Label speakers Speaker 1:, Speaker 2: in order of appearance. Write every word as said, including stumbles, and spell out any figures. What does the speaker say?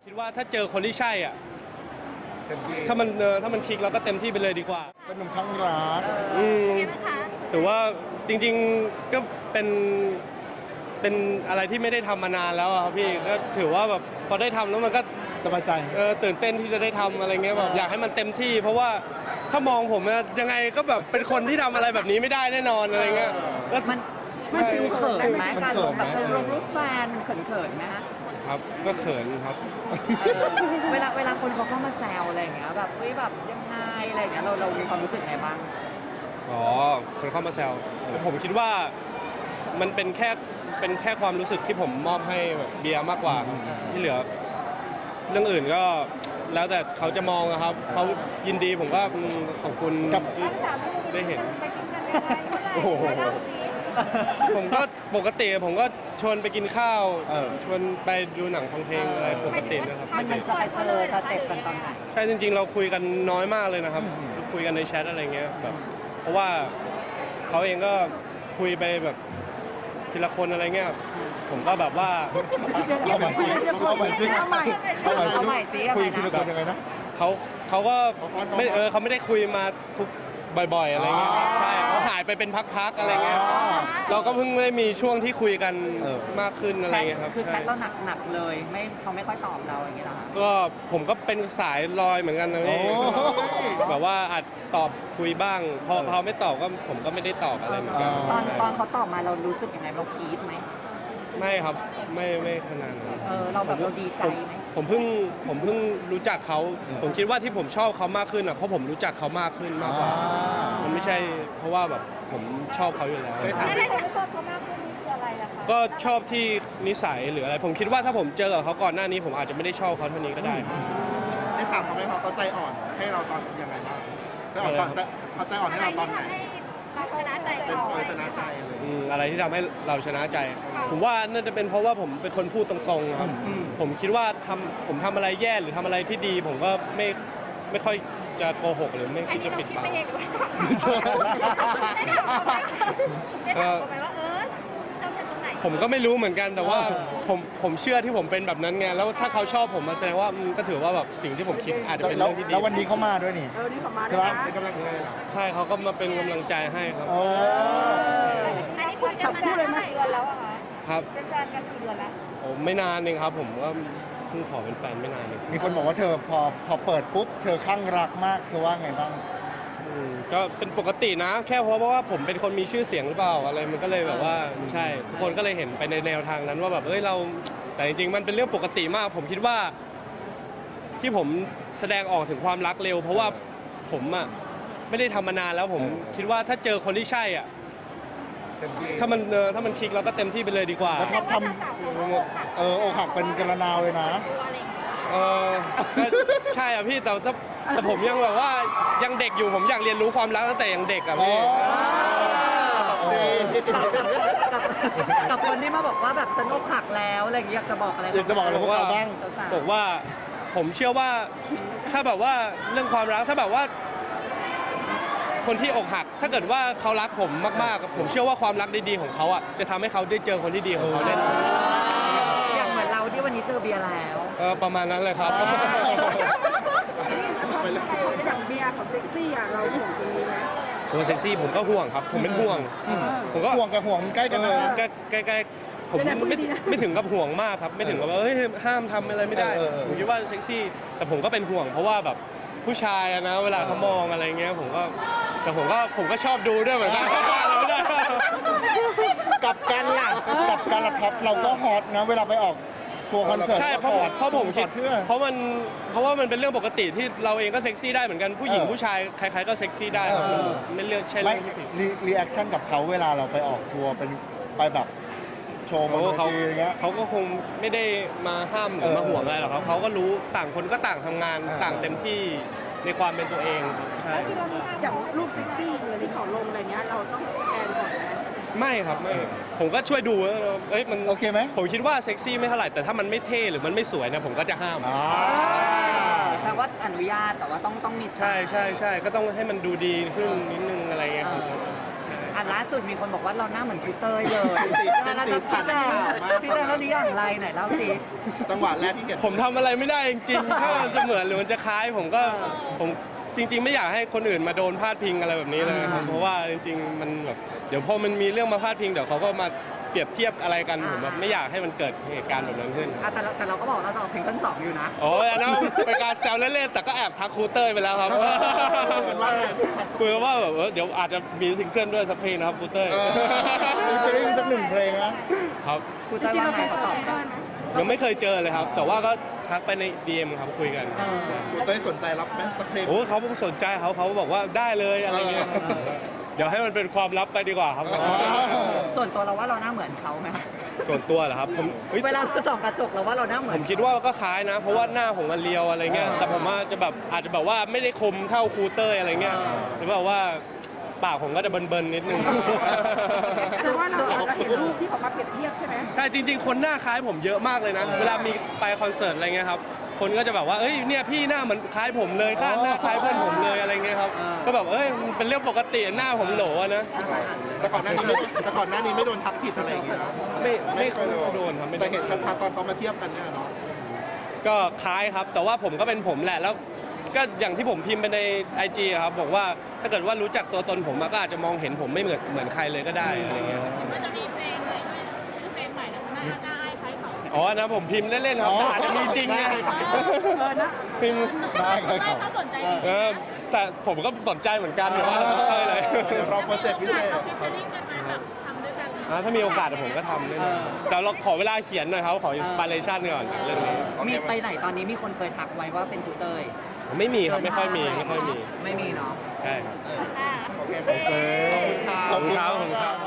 Speaker 1: คิดว่าถ้าเจอคนที่ใช่อ่ะถ้ามันเออถ้ามันคลิกเราก็เต็มที่ไปเลยดีกว่า
Speaker 2: เป็นหนุ่มข้างรัก
Speaker 1: อืมถือว่าจริงๆก็เป็นเป็นอะไรที่ไม่ได้ทำมานานแล้วครับพี่ก็ถือว่าแบบพอได้ทำแล้วมันก็
Speaker 2: สบายใจ
Speaker 1: เออตื่นเต้นที่จะได้ทำอะไรเงี้ยแบบอยากให้มันเต็มที่เพราะว่าถ้ามองผมยังไงก็แบบเป็นคนที่ทำอะไรแบบนี้ไม่ได้แน่นอนอะไรเงี้ยก็
Speaker 3: มันมันฟิลเขินไหมการลงแบบลงรูปแฟนมันเขินเขินไหมฮะ
Speaker 1: ครับก็เขินครับ
Speaker 3: เวลาเวลาคนเขาเข้ามาแซวอะไรอย่างเงี้ยแบบเฮ้ยแบบยังไงอะไรอย่างเงี้ยเราเรามีความรู้สึกไงบ้าง
Speaker 1: อ๋อคนเข้ามาแซวผมคิดว่ามันเป็นแค่เป็นแค่ความรู้สึกที่ผมมอบให้เบียร์มากกว่าที่เหลือเรื่องอื่นก็แล้วแต่เขาจะมองนะครับเขายินดีผมก็ขอบคุณที่ได้เห็นโอ้โหผมก็ปกติผมก็ชวนไปกินข้าวชวนไปดูหนังฟังเพลงอะไรปกตินะครับ
Speaker 3: มันมันจะไปเจอสเต็ปกันตอนไหน
Speaker 1: ใช่จริงๆเราคุยกันน้อยมากเลยนะครับคุยกันในแชทอะไรเงี้ยแบบเพราะว่าเขาเองก็คุยไปแบบทีละคนอะไรเงี้ยผมก็แบบว่า
Speaker 2: เอาใหม่สิเอาใหม่สิ
Speaker 3: เอาใหม่เอาใหม่สิ
Speaker 2: คุยทีละคนยังไงนะ
Speaker 1: เขาเขาก็ไม่เออเขาไม่ได้คุยมาทุกบ่อยๆอะไรเงี้ยใช่เขาหายไปเป็นพักๆอะไรเงี้ยเราก็เพิ่งได้มีช่วงที่คุยกันมากขึ้นอะไรเงี้ยครับ
Speaker 3: คือแชทเราหนักๆเลยไม่เขาไม่ค่อยตอบเราอย่างเงี้ยหรอ
Speaker 1: ก็ผมก็เป็นสายลอยเหมือนกันนะพี่แบบว่าอาจตอบคุยบ้างพอเขาไม่ตอบก็ผมก็ไม่ได้ตอบอะไรเหมือนกัน
Speaker 3: ตอนตอนเขาตอบมาเรารู้สึกยังไงเรากรี๊ดไหม
Speaker 1: ไม่ครับไม่ไม่ขนาดนั้น
Speaker 3: เออเราแบบเราดีใจไหม
Speaker 1: ผมเพิ่งผมเพิ่งรู้จักเขาผมคิดว่าที่ผมชอบเขามากขึ้นอ่ะเพราะผมรู้จักเขามากขึ้นมากกว่ามันไม่ใช่เพราะว่าแบบผมชอบเขาอยู่แล้ว
Speaker 4: แล้วที่ผมชอบเขามากขึ้นนี่คืออะไรล่ะคะ
Speaker 1: ก็ชอบที่นิสัยหรืออะไรผมคิดว่าถ้าผมเจอกับเขาก่อนหน้านี้ผมอาจจะไม่ได้ชอบเขาเท่านี้ก็ได้
Speaker 2: ได้ถามเขาไหมเขาเขาใจอ่อนให้เราตอนยังไงบ้างใจอ่อนตอนจะเขาใจอ่อนให้เราตอนไหน
Speaker 4: เราชนะใจ
Speaker 2: เขาชนะใจเลย
Speaker 1: อะไรที่ทำให้เราชนะใจผมว่าน่าจะเป็นเพราะว่าผมเป็นคนพูดตรงๆครับผมคิดว่าทำผมทำอะไรแย่หรือทำอะไรที่ดีผมก็ไม่ไม่ค่อยจะโกหกหรือไม่คิดจะปิดบัง
Speaker 4: ก็ไปว่าเออชอบฉันตรงไหน
Speaker 1: ผมก็ไม่รู้เหมือนกันแต่ว่าผมผมเชื่อที่ผมเป็นแบบนั้นไงแล้วถ้าเขาชอบผมมาแสดงว่าก็ถือว่าแบบสิ่งที่ผมคิดอาจจะเป็นเรื่องที่ดี
Speaker 2: แล้ววันนี้เขามาด้วยนี่
Speaker 4: เออนี่เขามา
Speaker 2: ใช่ไหมเป็นกำลังใจ
Speaker 1: ใช่เขาก็มาเป็นกำลังใจให้ครับ
Speaker 4: อันนี้คุยกันมาเท่าไหร่เดือนแล้วอะคะ
Speaker 1: ครับ
Speaker 4: เป็นแฟนกันกี่เดือนแล้ว
Speaker 1: โอ้ไม่นานเองครับผมก็เพิ่งขอเป็นแฟนไม่นานเอง
Speaker 2: มีคนบอกว่าเธอพอพอเปิดปุ๊บเธอคลั่งรักมากเธอว่าไงบ้าง
Speaker 1: ก็เป็นปกตินะแค่เพราะว่าผมเป็นคนมีชื่อเสียงหรือเปล่าอะไรมันก็เลยแบบว่าใช่ทุกคนก็เลยเห็นไปในแนวทางนั้นว่าแบบเอ้ยเราแต่จริงๆมันเป็นเรื่องปกติมากผมคิดว่าที่ผมแสดงออกถึงความรักเร็วเพราะว่าผมอ่ะไม่ได้ทำมานานแล้วผมคิดว่าถ้าเจอคนที่ใช่อ่ะถ้ามันเออถ้ามันคลิกเราก็เต็มที่ไปเลยดีกว่า
Speaker 2: แล้วทำเอออกหักเป็นกระนาวเลยนะ
Speaker 1: เออใช่อ่ะพี่แต่แต่ผมยังแบบว่ายังเด็กอยู่ผมอยากเรียนรู้ความรักตั้งแต่ยังเด็กอ่ะพี่
Speaker 3: กับคนที่มาบอกว่าแบบฉันอกหักแล้วอะไรอย่างเงี้ยอยากจะบอกอะไร
Speaker 2: อยากจะบอกอะไรพวกเราบ้าง
Speaker 1: บอกว่าผมเชื่อว่าถ้าแบบว่าเรื่องความรักถ้าแบบว่าคนที่อกหักถ้าเกิดว่าเขารักผมมากๆผมเชื่อว่าความรักดีๆของเขาอ่ะจะทำให้เขาได้เจอคนที่ดีของเขาแน่นอน
Speaker 3: อย่างเหมือนเราที่วันนี้เจอเบียร์แล้ว
Speaker 1: เออประมาณนั้นเลยครับ
Speaker 4: อย่างเบียร์เขาเซ็กซี่อ่ะเราห่วงตรงนี้ไหม
Speaker 1: ตัวเซ็กซี่ผมก็ห่วงครับผมเป็นห่วง
Speaker 2: ผมก็ห่วงกับห่วงใกล้กันนะ
Speaker 1: ใกล้ๆผมไม่ไม่ถึงกับห่วงมากครับไม่ถึงกับว่าเฮ้ยห้ามทำอะไรไม่ได้ผมคิดว่าเซ็กซี่แต่ผมก็เป็นห่วงเพราะว่าแบบผู้ชายนะเวลาเขามองอะไรเงี้ยผมก็แต่ผมก็ผมก็ชอบดูด้วยเหมือนกัน
Speaker 2: กับการหลักกับการหลักท็อปเราก็ฮอตนะเวลาไปออกทัวร์คอนเสิร์ต
Speaker 1: ใช่เพราะเพราะผมคิดเพราะมันเพราะว่ามันเป็นเรื่องปกติที่เราเองก็เซ็กซี่ได้เหมือนกันผู้หญิงผู้ชายใครๆก็เซ็กซี่ได้ไม่เลือกใช่เรื่องที่ผิด
Speaker 2: รีแอคชั่นกับเขาเวลาเราไปออกทัวร์เป็นไปแบบโชว์บนเวทีอย่างเงี้ย
Speaker 1: เขาก็คงไม่ได้มาห้ามหรือมาห่วงอะไรหรอกครับเขาก็รู้ต่างคนก็ต่างทำงานต่างเต็มที่ในความเป็นตัวเองใช่
Speaker 4: อย่างรูปเซ็กซี่อะไรที่เขาลงอะไรเนี้ยเราต้องสแกนก่อนไหม
Speaker 1: ไม่ครับไม่ผมก็ช่วยดูเอ้ยมัน
Speaker 2: โอเคไหม
Speaker 1: ผมคิดว่าเซ็กซี่ไม่เท่าไหร่แต่ถ้ามันไม่เท่หรือมันไม่สวยเนี่ยผมก็จะห้าม
Speaker 3: แสดงว่าอนุญาตแต่ว่าต้องต้องมี
Speaker 1: ใช่ใช่ใช่ก็ต้องให้มันดูดีขึ้นนิดนึงอะไรเงี้ย
Speaker 3: อันล่าสุดมีคนบอกว่าเราหน้าเหมือนครูเต้ยเลย
Speaker 2: เป็นสี
Speaker 3: เราจะ
Speaker 2: สั
Speaker 3: ชี้
Speaker 2: น
Speaker 3: แจง
Speaker 2: ข่าวมาก
Speaker 3: ชี้แจงแล้วหรืออย่างไรไหนเล่าสิ
Speaker 2: จังหวะแรกที่เห็น
Speaker 1: ผมทำอะไรไม่ได้จริงๆ ถ้ามันจะเหมือนหรือมันจะคล้ายผมก็ผมจริง ๆ ไม่อยากให้คนอื่นมาโดนพาดพิงอะไรแบบนี้เลยครับเพราะว่าจริงๆมันแบบเดี๋ยวพอมันมีเรื่องมาพาดพิงเดี๋ยวเขาก็มาเปรียบเทียบอะไรกันผมแบบไม่อยากให้มันเกิดเหตุการณ์แบบนั้นขึ้น
Speaker 3: อ่ะแต่เราแต่เราก็บอกเราจะออกซิงเกิลสองอยู่นะ
Speaker 1: โอ้ยอันนั้นเป็นการแซวเล่นๆแต่ก็แอบทักครูเต้ยไปแล้วครับ
Speaker 2: เหมือนว่าไง
Speaker 1: คุยกันว่าแบบเออเดี๋ยวอาจจะมีซิงเกิลด้วยสักเพลงนะครับครูเต้ย
Speaker 2: เออมีจะได้มีสักหนึ่งเพลงนะ
Speaker 1: ครับ
Speaker 3: ครู
Speaker 4: จ
Speaker 3: เต้ย
Speaker 4: ริงๆ
Speaker 3: ว่า
Speaker 4: เรา
Speaker 3: ไง
Speaker 4: เคย
Speaker 3: เขา
Speaker 4: เจ
Speaker 3: ต
Speaker 4: อ
Speaker 3: อบ
Speaker 4: เต้ยไหม
Speaker 1: ยังไม่เคยเจอเลยครับ แต่ว่าก็ทักไปใน ดี เอ็ม ครับคุยกัน
Speaker 3: เออ
Speaker 2: ครูเต้ยสนใจรับไหมสักเพลง
Speaker 1: โอ้เขาสนใจเขาเขาบอกว่าได้เลยอะไรเงี้ย
Speaker 2: เออ
Speaker 1: เดี๋ยวให้มันเป็นความลับไปดีกว่าครับ
Speaker 3: ส่วนตัวเราว่าเราหน้าเหมือนเขาไหม
Speaker 1: ส่วนตัวเหรอครับผมเฮ้ย
Speaker 3: เวลาเราส่องกระจกเราว่าเราหน้าเหมื
Speaker 1: ผ
Speaker 3: อน
Speaker 1: มคิดว่าก็คล้ายนะ เพราะว่าหน้าผมมันเรียวอะไรเงี้ยแต่ผมว่าจะแบบอาจจะแบบว่าไม่ได้คมเท่าครูเต้ยอะไรเงี้ยหรือแบบว่าปากผมก็จะเบิร์นๆนิดนึง
Speaker 4: แต่ว่าเราเราเห็นรูปที่เขามาเปรียบเทียบใช่ไหม
Speaker 1: ใช่จริง ๆ คนหน้าคล้ายผมเยอะมากเลยนะ เวลามีไปคอนเสิร์ตอะไรเงี้ยครับคนก็จะแบบว่าเอ้ยเนี่ยพี่หน้าเหมือนคล้ายผมเลยข้าหน้าคล้ายเพื่อนผมเลยอะไรเงี้ยครับก็แบบเอ้ยมันเป็นเรื่องปกติหน้าผมโหลอะนะ
Speaker 2: แต่ก่อนหน้านี้ไม่แต่ก่อนหน้านี้ไม่โดนทักผิดอะไรอย่างเงี้ยเนาะ
Speaker 1: ไม่ไม่
Speaker 2: เค
Speaker 1: ค่อย
Speaker 2: ย
Speaker 1: โดนครับไม่โด
Speaker 2: แต่
Speaker 1: น
Speaker 2: เห็นชัดๆตอนเขามาเทียบกันเนี่ยเนาะ
Speaker 1: ก็คล้ายครับ แต่ว่าผมก็เป็นผมแหละแล้วก็อย่างที่ผมพิมพ์ไปใน ไอ จี ครับบอกว่าถ้าเกิดว่ารู้จักตัวตนผมอะก็อาจจะมองเห็นผมไม่เหมือนเหมือนใครเลยก็ได้อะไรเงี้ยครับ
Speaker 5: มันจะมีเพลงใหม่ด้วยชื่อเพลงใหม่นะหน้าหน้าไอ้ไพ่เขา
Speaker 1: อ๋อนะผมพิมพ์เล่นๆครับแต่อาจจะมีจริงนะ
Speaker 4: เออนะ
Speaker 1: พิมพ์
Speaker 2: ได้ครับ
Speaker 5: ไม่เขาสนใจจริง
Speaker 1: เออแต่ผมก็สนใจเหมือนกันแต่ว่าเอ้ยเลย
Speaker 2: เดี๋ยวรอโปรเจกต์พิเศษ
Speaker 5: เราฟิชเชอริ่งกันมาแบบทำด้วยกัน
Speaker 1: อ่าถ้ามีโอกาสเดี๋ยวผมก็ทำแน่นอนแต่เราขอเวลาเขียนหน่อยครับขออินสปิเรชันก่อนเรื่องนี้
Speaker 3: มีไปไหนตอนนี้มีคนเคยทักไว้ว่าเป็นครูเต้ย
Speaker 1: ไม่มีครับไม่ค่อยมีไม่ค่อยมี
Speaker 3: ไม่มีเนาะ
Speaker 1: ใช่ครับ
Speaker 5: อ่า
Speaker 2: โอเคขอบคุณครับ
Speaker 1: ขอบคุณครับ